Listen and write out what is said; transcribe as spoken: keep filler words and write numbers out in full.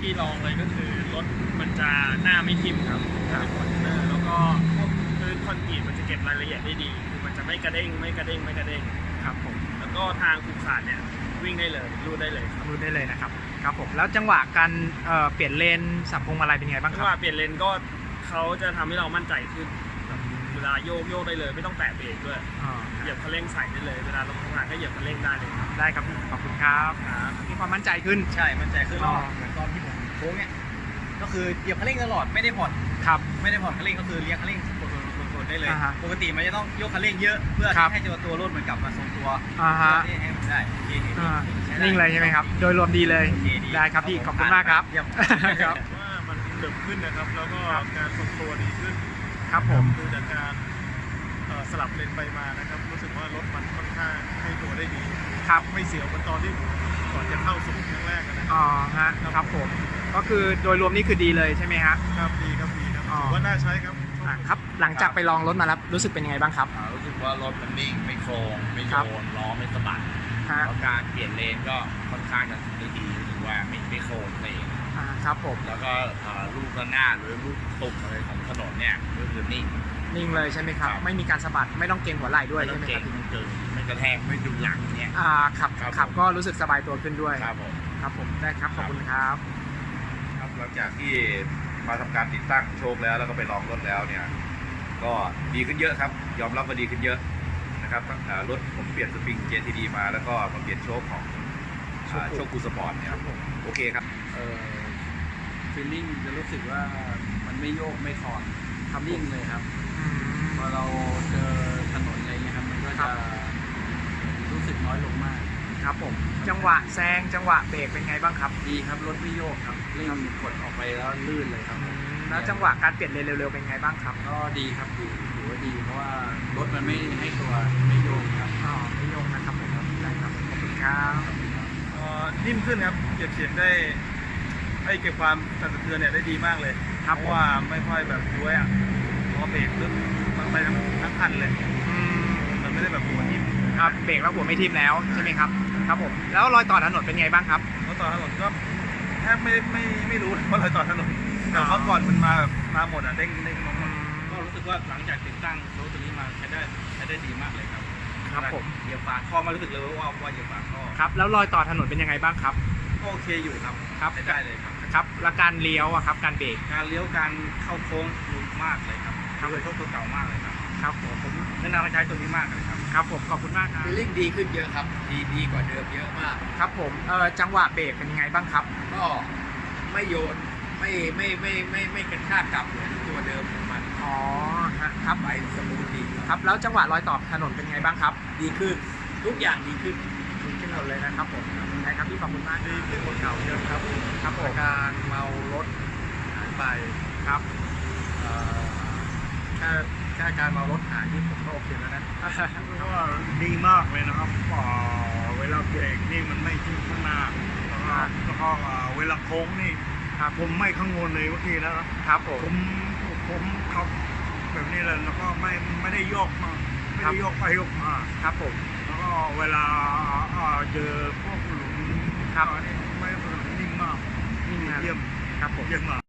ที่ลองเลยก็คือรถมันจะหน้าไม่ทิ่มครับเป็นคอนเทนเนอร์แล้วก็พื้นคอนกรีตมันจะเก็บรายละเอียดได้ดีคือมันจะไม่กระเด้งไม่กระเด้งไม่กระเด้งครับผมแล้วก็ทางขูดขาดเนี่ยวิ่งได้เลยรูดได้เลยครับรูดได้เลยนะครับครับผมแล้วจังหวะการเอ่อเปลี่ยนเลนสับพวงมาลัยเป็นไงบ้างคจัรับงหวะเปลี่ยนเลนก็เขาจะทำให้เรามั่นใจขึ้นเวลาโยกโยกได้เลยไม่ต้องแตะเบรกด้วยเหยียบคันเร่งใส่ได้เลยเวลาลงทางก็เหยียบคันเร่งได้เลยครับได้ครับขอบคุณครับมีความมั่นใจขึ้นใช่มั่นใจขึ้นเหมือนตอนที่ผมโค้งเนี่ยก็คือเหยียบคันเร่งตลอดไม่ได้ผ่อนครับไม่ได้ผ่อนคันเร่งก็คือเลี้ยงคันเร่งกดๆได้เลยปกติมันจะต้องยกคันเร่งเยอะเพื่อให้ตัวตัวรถเหมือนกลับมาทรงตัวให้มันได้นิ่งเลยใช่ไหมครับโดยรวมดีเลยได้ครับพี่ขอบคุณมากครับครับว่ามันเติบขึ้นนะครับแล้วก็การทรงตัวดีขึ้นครับผมดูจากการสลับเลนไปมานะครับรู้สึกว่ารถมันค่อนข้างให้ตัวได้ดีครับไม่เสียวเหมือนตอนที่ก่อนจะเข้าสู่ครั้งแรกนะอ๋อฮะครับผมก็คือโดยรวมนี่คือดีเลยใช่ไหมฮะครับดีครับดีครับถือว่าน่าใช้ครับครับหลังจากไปลองรถมาแล้วรู้สึกเป็นยังไงบ้างครับรู้สึกว่ารถมันนิ่งไม่โครงไม่โยนล้อไม่สะบัดแล้วการเปลี่ยนเลนก็ค่อนข้างจะได้ดีรู้สึกว่าไม่ไม่โครงเองครับผมแล้วก็ลูกระนาดหรือลูกตุ่มอะไรของถนนเนี่ยก็คือนิ่งนิ่งเลยใช่ไหมครับไม่มีการสะบัดไม่ต้องเกรงหัวไหล่ด้วยใช่ไหมครับไม่เกินไม่กระแทกไม่ดุหลังเนี่ยอ่าขับขับก็รู้สึกสบายตัวขึ้นด้วยครับผมครับผมได้ครับขอบคุณครับครับหลังจากที่มาทำการติดตั้งโชคแล้วแล้วก็ไปลองรถแล้วเนี่ยก็ดีขึ้นเยอะครับยอมรับว่าดีขึ้นเยอะนะครับรถผมเปลี่ยนสปริง เจ ที ดี มาแล้วก็มาเปลี่ยนโชคของโชคคูสปอร์ตเนี่ยโอเคครับเออฟีลลิ่งจะรู้สึกว่ามันไม่โยกไม่คลอนทำนิ่งเลยครับพอเราเจอถนนอะไรเงี้ยครับมันก็จะรู้สึกน้อยลงมากครับผมจังหวะแซงจังหวะเบรกเป็นไงบ้างครับดีครับรถไม่โยกครับเร่งกดออกไปแล้วลื่นเลยครับแล้วจังหวะการเปลี่ยนเลนเร็วๆเป็นไงบ้างครับก็ดีครับดีถือว่าดีเพราะว่ารถมันไม่ให้ตัวไม่โยกครับอ๋อไม่โยกนะครับผมได้ครับขอบคุณครับนิ่มขึ้นครับเก็บเสียงได้ให้เก็บความสั่นสะเทือนเนี่ยได้ดีมากเลยเพราะว่าไม่ค่อยแบบย้วยอ่ะเพราะเบรกลึกมันไปทั้งทั้งคันเลยมันไม่ได้แบบหัวทิ่มครับเบรกแล้วหัวไม่ทิ่มแล้วใช่ไหมครับครับผมแล้วรอยต่อถนนเป็นไงบ้างครับรอยต่อถนนก็แทบไม่ไม่ไม่รู้ว่ารอยต่อถนนแต่เพราะก่อนมันมาแบบมาหมดอ่ะเด้งเด้งลงก็รู้สึกว่าหลังจากติดตั้งโซ่ตัวนี้มาใช้ได้ใช้ได้ดีมากเลยครับครับผมเหยียบฝาท่อมารู้สึกเลยว่าว่าเหยียบฝาท่อครับแล้วรอยต่อถนนเป็นยังไงบ้างครับโอเคอยู่ครับครับได้เลยครับครับแล้วการเลี้ยวอะครับการเบรกการเลี้ยวการเข้าโค้งดีมากเลยครับเลยโชคตัวเก่ามากเลยครับครับผมผมแนะนำให้ใช้ตัวนี้มากเลยครับครับผมขอบคุณมากครับฟีลลิ่งดีขึ้นเยอะครับดีดีกว่าเดิมเยอะมากครับผมเอ่อจังหวะเบรกเป็นยังไงบ้างครับก็ไม่โยนไม่ไม่ไม่ไม่ไม่กระชากกลับเหมือนตัวเดิมของมันอ๋อครับไปสมูทดีครับแล้วจังหวะรอยต่อถนนเป็นไงบ้างครับดีขึ้นทุกอย่างดีขึ้นดีขึ้นหมดเลยนะครับผมใช่ครับพี่ขอบคุณมากดีขึ้นหมดเก่าเยอะครับครับผมการเมารถหายไปครับแค่แค่การเมารถหายที่ผมก็โอเคแล้วนะเพราะว่าดีมากเลยนะครับเวลาเบรกนี่มันไม่ทิ้งข้างหน้าแล้วก็เวลาโค้งนี่ผมไม่ข้างบนเลยเมื่อกี้นะครับผมผมขับแบบนี้เลยแล้วก็ไม่ไม่ได้โยกมาไม่ได้โยกไปโยกมาครับผมแล้วก็เวลาเจอพวกหลุมครับนี่ไม่นิ่งมากนิ่งเยี่ยมครับผมเยี่ยมมาก